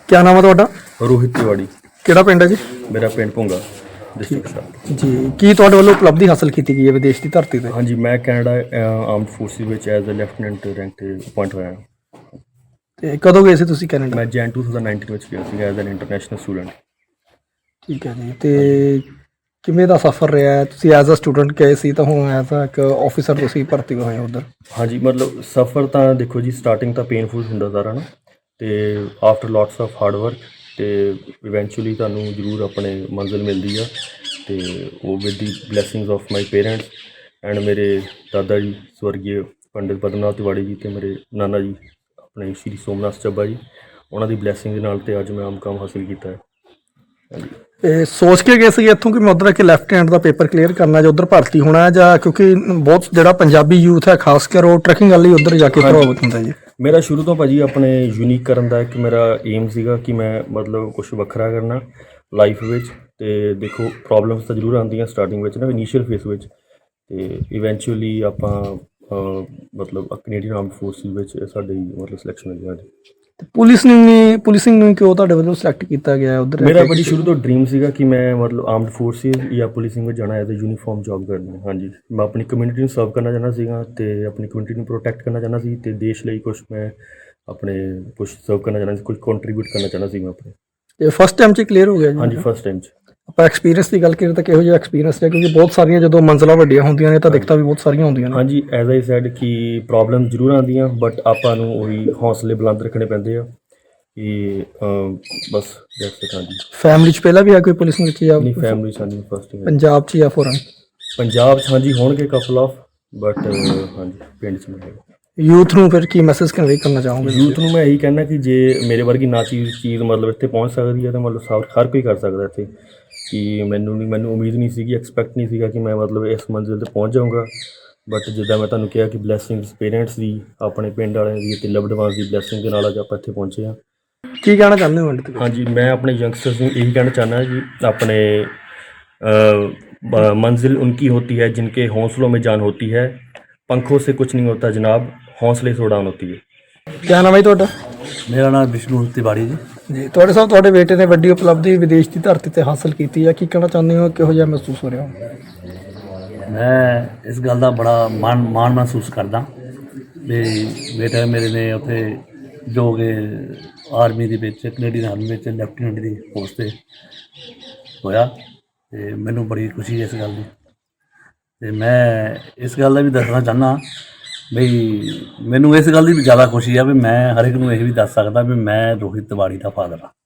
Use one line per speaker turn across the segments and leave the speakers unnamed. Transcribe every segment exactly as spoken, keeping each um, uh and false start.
क्या नाम है ਤੁਹਾਡਾ?
रोहित तिवाड़ी।
ਕਿਹੜਾ ਪਿੰਡ ਹੈ ਜੀ?
मेरा पिंड भुंगा डिस्ट्रिक्ट सा।
ਜੀ ਕੀ ਤੁਹਾਡੇ ਵੱਲੋਂ ਉਪਲਬਧੀ ਹਾਸਲ ਕੀਤੀ ਗਈ ਹੈ ਵਿਦੇਸ਼ ਦੀ ਧਰਤੀ ਤੇ?
हाँ जी, मैं कैनेडा आर्मड फोर्सिस ਵਿੱਚ ਐਜ਼ ਅ ਲੈਫਟੀਨੈਂਟ ਰੈਂਕ ਤੇ ਅਪਾਇੰਟ ਹੋਇਆ ਹਾਂ।
ਤੇ ਕਦੋਂ ਗਏ ਸੀ ਤੁਸੀਂ ਕੈਨੇਡਾ?
ਮੈਂ ਜੈਨ ਟੂ ਥਾਊਜ਼ੈਂਡ ਨਾਈਨਟੀਨ ਵਿੱਚ ਗਿਆ ਸੀ ਐਜ਼ ਐਨ ਇੰਟਰਨੈਸ਼ਨਲ ਸਟੂਡੈਂਟ।
ਠੀਕ ਹੈ ਜੀ। ਤੇ ਕਿਵੇਂ ਦਾ ਸਫ਼ਰ ਰਿਹਾ ਹੈ? ਤੁਸੀਂ ਐਜ਼ ਅ ਸਟੂਡੈਂਟ ਗਏ ਸੀ ਤਾਂ ਹੁਣ ਐਜ਼ ਅ ਇੱਕ ਆਫੀਸਰ ਤੁਸੀਂ ਭਰਤੀ ਹੋਏ ਹੋ ਉੱਧਰ।
ਹਾਂਜੀ, ਮਤਲਬ ਸਫ਼ਰ ਤਾਂ ਦੇਖੋ ਜੀ ਸਟਾਰਟਿੰਗ ਤਾਂ ਪੇਨਫੁਲ ਹੁੰਦਾ ਸਾਰਾ ਨਾ, ਤੇ after lots of hard work ਤੇ ਇਵੈਂਚੁਅਲੀ ਤੁਹਾਨੂੰ ਜ਼ਰੂਰ ਆਪਣੇ ਮੰਜ਼ਿਲ ਮਿਲਦੀ ਆ। ਤੇ ਉਹ with the blessings of my parents and ਮੇਰੇ ਦਾਦਾ ਜੀ ਸਵਰਗੀ ਪੰਡਿਤ ਪਦਮਨਾਥ ਤਿਵਾੜੀ ਜੀ ਤੇ ਮੇਰੇ ਨਾਨਾ ਜੀ ਆਪਣੇ ਸ਼੍ਰੀ ਸੋਮਨਾਥ ਚੱਬਾ ਜੀ, ਉਹਨਾਂ ਦੀ ਬਲੈਸਿੰਗ ਦੇ ਨਾਲ ਤੇ ਅੱਜ ਮੈਂ ਆਮ ਕੰਮ ਹਾਸਿਲ ਕੀਤਾ ਹੈ। ਹਾਂਜੀ।
ਇਹ ਸੋਚ ਕੇ ਗਏ ਸੀ ਇੱਥੋਂ ਕਿ ਮੈਂ ਉੱਧਰ ਕਿ ਲੈਫਟੀਨੈਂਟ ਦਾ ਪੇਪਰ ਕਲੀਅਰ ਕਰਨਾ ਜਾਂ ਉੱਧਰ ਭਰਤੀ ਹੋਣਾ ਹੈ, ਜਾਂ ਕਿਉਂਕਿ ਬਹੁਤ ਜਿਹੜਾ ਪੰਜਾਬੀ ਯੂਥ ਹੈ ਖਾਸ ਕਰ ਉਹ ਟਰੈਕਿੰਗ ਵਾਲੀ ਉੱਧਰ ਜਾ ਕੇ ਪ੍ਰਭਾਵਿਤ ਹੁੰਦਾ ਜੀ?
ਮੇਰਾ ਸ਼ੁਰੂ ਤੋਂ ਭਾਜੀ ਆਪਣੇ ਯੂਨੀਕ ਕਰਨ ਦਾ ਇੱਕ ਮੇਰਾ ਏਮ ਸੀਗਾ ਕਿ ਮੈਂ ਮਤਲਬ ਕੁਛ ਵੱਖਰਾ ਕਰਨਾ ਲਾਈਫ ਵਿੱਚ। ਤੇ ਦੇਖੋ ਪ੍ਰੋਬਲਮਸ ਤਾਂ ਜ਼ਰੂਰ ਆਉਂਦੀਆਂ ਸਟਾਰਟਿੰਗ ਵਿੱਚ ਨਾ, ਇਨੀਸ਼ੀਅਲ ਫੇਸ ਵਿੱਚ, ਤੇ ਇਵੈਂਚੁਅਲੀ ਆਪਾਂ ਅਹ, ਮਤਲਬ ਕੈਨੇਡੀਅਨ ਆਰਮਡ ਫੋਰਸਿਸ ਵਿੱਚ ਸਾਡੀ ਮਤਲਬ ਸਿਲੈਕਸ਼ਨ ਹੋਈ ਸਾਡੀ।
ਪੁਲਿਸ ਨੂੰ ਨਹੀਂ ਪੁਲਿਸਿੰਗ ਨੂੰ ਕਿਉਂ ਤੁਹਾਡੇ ਵੱਲੋਂ ਸਿਲੈਕਟ ਕੀਤਾ ਗਿਆ ਉੱਧਰ?
ਮੇਰਾ ਬੜੀ ਸ਼ੁਰੂ ਤੋਂ ਡ੍ਰੀਮ ਸੀਗਾ ਕਿ ਮੈਂ ਮਤਲਬ ਆਰਮਡ ਫੋਰਸਿਸ ਜਾਂ ਪੁਲਿਸਿੰਗ ਵਿੱਚ ਜਾਣਾ ਐਜ਼ ਅ ਯੂਨੀਫਾਰਮ ਜੌਬ ਕਰਨੀ। ਹਾਂਜੀ, ਮੈਂ ਆਪਣੀ ਕਮਿਊਨਿਟੀ ਨੂੰ ਸਰਵ ਕਰਨਾ ਚਾਹੁੰਦਾ ਸੀਗਾ ਤੇ ਆਪਣੀ ਕਮਿਊਨਿਟੀ ਨੂੰ ਪ੍ਰੋਟੈਕਟ ਕਰਨਾ ਚਾਹੁੰਦਾ ਸੀ ਤੇ ਦੇਸ਼ ਲਈ ਕੁਛ ਮੈਂ ਆਪਣੇ ਕੁਛ ਸਰਵ ਕਰਨਾ ਚਾਹੁੰਦਾ ਸੀ, ਕੁਛ ਕੰਟਰੀਬਿਊਟ ਕਰਨਾ ਚਾਹੁੰਦਾ ਸੀ ਮੈਂ ਆਪਣੇ।
ਇਹ ਫਸਟ ਟਾਈਮ 'ਚ ਕਲੀਅਰ ਹੋ ਗਿਆ ਜੀ?
ਹਾਂਜੀ, ਫਸਟ ਟਾਈਮ 'ਚ।
ਆਪਾਂ ਐਕਸਪੀਰੀਅੰਸ ਦੀ ਗੱਲ ਕਰੀਏ ਤਾਂ ਕਿਹੋ ਜਿਹਾ ਐਕਸਪੀਰੀਅੰਸ ਹੈ? ਕਿਉਂਕਿ ਬਹੁਤ ਸਾਰੀਆਂ ਜਦੋਂ ਮੰਜ਼ਲਾਂ ਵੱਡੀਆਂ ਹੁੰਦੀਆਂ ਨੇ ਤਾਂ ਦਿੱਕਤਾਂ ਵੀ ਬਹੁਤ ਸਾਰੀਆਂ ਹੁੰਦੀਆਂ ਨੇ।
ਹਾਂਜੀ, ਐਜ਼ ਆਈ ਸੈਡ ਕਿ ਪ੍ਰੋਬਲਮ ਜ਼ਰੂਰ ਆਉਂਦੀਆਂ ਬਟ ਆਪਾਂ ਨੂੰ ਉਹੀ ਹੌਸਲੇ ਬੁਲੰਦ ਰੱਖਣੇ ਪੈਂਦੇ ਆ ਕਿ ਬਸ ਦੈਟਸ ਇਟ। ਹਾਂਜੀ।
ਫੈਮਿਲੀ 'ਚ ਪਹਿਲਾਂ ਵੀ ਹੈ ਕੋਈ ਪੁਲਿਸ ਵਿੱਚ ਜਾਂ
ਆਪਣੀ ਫੈਮਿਲੀ ਸਾਡੀ ਫਸਟ
ਪੰਜਾਬ 'ਚ ਜਾਂ ਫੋਰਨ?
ਪੰਜਾਬ 'ਚ ਹਾਂਜੀ ਹੋਣਗੇ ਕਪਲ ਆਫ, ਬਟ ਹਾਂਜੀ ਪਿੰਡ 'ਚ ਨਹੀਂ।
ਯੂਥ ਨੂੰ ਫਿਰ ਕੀ ਮੈਸੇਜ ਕਨਵੇ ਕਰਨਾ ਚਾਹੋਗੇ?
ਯੂਥ ਨੂੰ ਮੈਂ ਇਹੀ ਕਹਿਣਾ ਕਿ ਜੇ ਮੇਰੇ ਵਰਗੀ ਨਾ ਚੀਜ਼ ਚੀਜ਼ ਮਤਲਬ ਇੱਥੇ ਪਹੁੰਚ ਸਕਦੀ ਹੈ ਤਾਂ ਮਤਲਬ ਸਭ ਹਰ ਕੋਈ ਕਰ ਸਕਦਾ ਇੱਥੇ। ਕਿ ਮੈਨੂੰ ਨਹੀਂ ਮੈਨੂੰ ਉਮੀਦ ਨਹੀਂ ਸੀਗੀ, ਐਕਸਪੈਕਟ ਨਹੀਂ ਸੀਗਾ ਕਿ ਮੈਂ ਮਤਲਬ ਇਸ ਮੰਜ਼ਿਲ 'ਤੇ ਪਹੁੰਚ ਜਾਊਂਗਾ, ਬਟ ਜਿੱਦਾਂ ਮੈਂ ਤੁਹਾਨੂੰ ਕਿਹਾ ਕਿ ਬਲੈਸਿੰਗਸ ਪੇਰੈਂਟਸ ਦੀ, ਆਪਣੇ ਪਿੰਡ ਵਾਲਿਆਂ ਦੀ ਅਤੇ ਲਵਡ ਵਨਸ ਦੀ ਬਲੈਸਿੰਗ ਦੇ ਨਾਲ ਅੱਜ ਆਪਾਂ ਇੱਥੇ ਪਹੁੰਚੇ ਹਾਂ।
ਕੀ ਕਹਿਣਾ ਚਾਹੁੰਦੇ ਹੋ ਅੰਤ?
ਹਾਂਜੀ, ਮੈਂ ਆਪਣੇ ਯੰਗਸਟਰਸ ਨੂੰ ਇਹੀ ਕਹਿਣਾ ਚਾਹੁੰਦਾ ਜੀ ਆਪਣੇ मंजिल उनकी होती है जिनके हौसलों में जान होती है, पंखों से कुछ नहीं होता जनाब, हौसले से उड़ान होती है।
क्या नाम है ਤੁਹਾਡਾ?
ਮੇਰਾ ਨਾਮ ਵਿਸ਼ਨੂੰ ਤਿਵਾੜੀ ਜੀ।
ਜੀ ਤੁਹਾਡੇ ਸਾਹਿਬ ਤੁਹਾਡੇ ਬੇਟੇ ਨੇ ਵੱਡੀ ਉਪਲਬਧੀ ਵਿਦੇਸ਼ ਦੀ ਧਰਤੀ ਤੇ ਹਾਸਲ ਕੀਤੀ ਹੈ, ਕੀ ਕਹਿਣਾ ਚਾਹੁੰਦੇ ਹੋ? ਕਿਹੋ ਜਿਹਾ ਮਹਿਸੂਸ ਹੋ ਰਿਹਾ ਹੋ?
ਮੈਂ ਇਸ ਗੱਲ ਦਾ ਬੜਾ ਮਾਣ ਮਾਣ ਮਹਿਸੂਸ ਕਰਦਾ ਵੀ ਬੇਟਾ ਮੇਰੇ ਨੇ ਉੱਥੇ ਜੋ ਕਿ ਆਰਮੀ ਦੇ ਵਿੱਚ ਕੈਨੇਡੀਅਨ ਆਰਮੀ ਵਿੱਚ ਲੈਫਟੀਨੈਂਟ ਦੀ ਪੋਸਟ 'ਤੇ ਹੋਇਆ, ਅਤੇ ਮੈਨੂੰ ਬੜੀ ਖੁਸ਼ੀ ਹੈ ਇਸ ਗੱਲ ਦੀ। ਅਤੇ ਮੈਂ ਇਸ ਗੱਲ ਦਾ ਵੀ ਦੱਸਣਾ ਚਾਹੁੰਦਾ ਬਈ ਮੈਨੂੰ ਇਸ ਗੱਲ ਦੀ ਵੀ ਜ਼ਿਆਦਾ ਖੁਸ਼ੀ ਆ ਵੀ ਮੈਂ ਹਰ ਇੱਕ ਨੂੰ ਇਹ ਵੀ ਦੱਸ ਸਕਦਾ ਵੀ ਮੈਂ ਰੋਹਿਤ ਤਿਵਾੜੀ ਦਾ ਫਾਦਰ ਹਾਂ।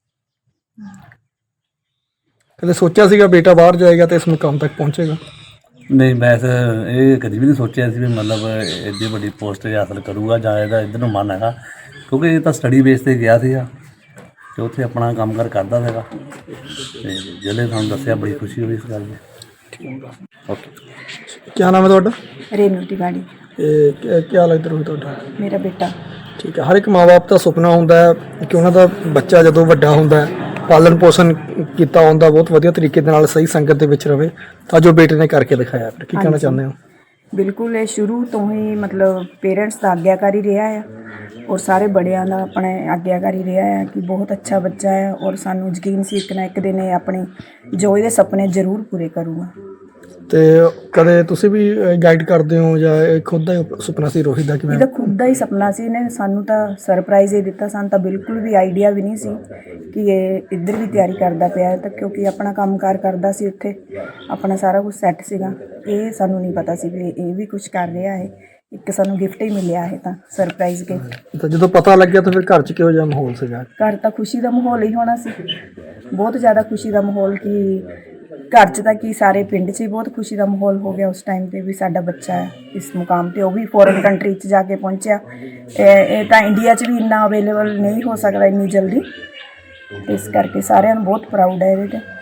ਕਦੇ ਸੋਚਿਆ ਸੀਗਾ ਬੇਟਾ ਬਾਹਰ ਜਾਏਗਾ ਤੇ ਇਸ ਮੁਕਾਮ ਤੱਕ ਪਹੁੰਚੇਗਾ?
ਨਹੀਂ, ਮੈਂ ਇਹ ਕਦੀ ਵੀ ਨਹੀਂ ਸੋਚਿਆ ਸੀ ਵੀ ਮਤਲਬ ਐਡੀ ਵੱਡੀ ਪੋਸਟ ਹਾਸਲ ਕਰੂਗਾ ਜਾਂ ਇਹਦਾ ਇੱਧਰ ਨੂੰ ਮਨ ਹੈਗਾ, ਕਿਉਂਕਿ ਇਹ ਤਾਂ ਸਟੱਡੀ ਬੇਸ 'ਤੇ ਗਿਆ ਸੀਗਾ ਅਤੇ ਉੱਥੇ ਆਪਣਾ ਕੰਮ ਕਾਰ ਕਰਦਾ ਸੀਗਾ, ਅਤੇ ਜਿਹੜੇ ਤੁਹਾਨੂੰ ਦੱਸਿਆ ਬੜੀ ਖੁਸ਼ੀ ਹੋਈ ਇਸ ਗੱਲ ਦੀ। ਓਕੇ।
ਕੀ ਨਾਮ ਹੈ ਤੁਹਾਡਾ?
ਰੇਨੂ ਤਿਵਾੜੀ।
ਇਹ ਕੀ ਲੱਗਦਾ ਰੋਹਿਤ ਤੁਹਾਡਾ?
ਮੇਰਾ ਬੇਟਾ।
ਠੀਕ ਹੈ। ਹਰ ਇੱਕ ਮਾਂ ਬਾਪ ਦਾ ਸੁਪਨਾ ਹੁੰਦਾ ਹੈ ਕਿ ਉਹਨਾਂ ਦਾ ਬੱਚਾ ਜਦੋਂ ਵੱਡਾ ਹੁੰਦਾ ਹੈ, ਪਾਲਣ ਪੋਸ਼ਣ ਕੀਤਾ ਹੁੰਦਾ ਬਹੁਤ ਵਧੀਆ ਤਰੀਕੇ ਦੇ ਨਾਲ, ਸਹੀ ਸੰਗਤ ਦੇ ਵਿੱਚ ਰਵੇ, ਤਾਂ ਜੋ ਬੇਟੇ ਨੇ ਕਰਕੇ ਦਿਖਾਇਆ। ਫਿਰ ਕੀ ਕਹਿਣਾ ਚਾਹੁੰਦੇ ਹੋ?
ਬਿਲਕੁਲ, ਇਹ ਸ਼ੁਰੂ ਤੋਂ ਹੀ ਮਤਲਬ ਪੇਰੈਂਟਸ ਦਾ ਆਗਿਆਕਾਰੀ ਰਿਹਾ ਹੈ ਔਰ ਸਾਰੇ ਬੜਿਆਂ ਦਾ ਆਪਣੇ ਆਗਿਆਕਾਰੀ ਰਿਹਾ ਹੈ ਕਿ ਬਹੁਤ ਅੱਛਾ ਬੱਚਾ ਹੈ, ਔਰ ਸਾਨੂੰ ਯਕੀਨ ਸੀ ਇੱਕ ਨਾ ਇੱਕ ਦਿਨ ਇਹ ਆਪਣੇ ਜੋ ਇਹਦੇ ਸੁਪਨੇ ਜ਼ਰੂਰ ਪੂਰੇ ਕਰੂਗਾ।
ਤੇ ਕਦੇ ਤੁਸੀਂ ਵੀ ਗਾਈਡ ਕਰਦੇ ਹੋ ਜਾਂ ਇਹ ਖੁਦ ਦਾ ਹੀ ਸੁਪਨਾ ਸੀ ਰੋਹਿਤ ਦਾ? ਕਿਵੇਂ?
ਇਹਦਾ ਖੁਦ ਦਾ ਹੀ ਸੁਪਨਾ ਸੀ, ਇਹਨੇ ਸਾਨੂੰ ਤਾਂ ਸਰਪ੍ਰਾਈਜ਼ ਹੀ ਦਿੱਤਾ। ਸਾਨੂੰ ਤਾਂ ਬਿਲਕੁਲ ਵੀ ਆਈਡੀਆ ਵੀ ਨਹੀਂ ਸੀ ਕਿ ਇਹ ਇੱਧਰ ਵੀ ਤਿਆਰੀ ਕਰਦਾ ਪਿਆ, ਤਾਂ ਕਿਉਂਕਿ ਆਪਣਾ ਕੰਮਕਾਰ ਕਰਦਾ ਸੀ ਉੱਥੇ, ਆਪਣਾ ਸਾਰਾ ਕੁਝ ਸੈੱਟ ਸੀਗਾ। ਇਹ ਸਾਨੂੰ ਨਹੀਂ ਪਤਾ ਸੀ ਵੀ ਇਹ ਵੀ ਕੁਝ ਕਰ ਰਿਹਾ ਹੈ। ਇੱਕ ਸਾਨੂੰ ਗਿਫਟ ਹੀ ਮਿਲਿਆ ਹੈ ਤਾਂ ਸਰਪ੍ਰਾਈਜ਼ ਗਿਫਟ।
ਤਾਂ ਜਦੋਂ ਪਤਾ ਲੱਗਿਆ ਤਾਂ ਫਿਰ ਘਰ 'ਚ ਕਿਹੋ ਜਿਹਾ ਮਾਹੌਲ ਸੀਗਾ?
ਘਰ ਤਾਂ ਖੁਸ਼ੀ ਦਾ ਮਾਹੌਲ ਹੀ ਹੋਣਾ ਸੀ, ਬਹੁਤ ਜ਼ਿਆਦਾ ਖੁਸ਼ੀ ਦਾ ਮਾਹੌਲ। ਕਿ ਘਰ 'ਚ ਤਾਂ ਕੀ ਸਾਰੇ ਪਿੰਡ 'ਚ ਹੀ ਬਹੁਤ ਖੁਸ਼ੀ ਦਾ ਮਾਹੌਲ ਹੋ ਗਿਆ ਉਸ ਟਾਈਮ 'ਤੇ ਵੀ ਸਾਡਾ ਬੱਚਾ ਹੈ ਇਸ ਮੁਕਾਮ 'ਤੇ, ਉਹ ਵੀ ਫੋਰਨ ਕੰਟਰੀ 'ਚ ਜਾ ਕੇ ਪਹੁੰਚਿਆ। ਇਹ ਇਹ ਤਾਂ ਇੰਡੀਆ 'ਚ ਵੀ ਇੰਨਾ ਅਵੇਲੇਬਲ ਨਹੀਂ ਹੋ ਸਕਦਾ ਇੰਨੀ ਜਲਦੀ, ਇਸ ਕਰਕੇ ਸਾਰਿਆਂ ਨੂੰ ਬਹੁਤ ਪ੍ਰਾਊਡ ਹੈ ਇਹਦੇ 'ਤੇ।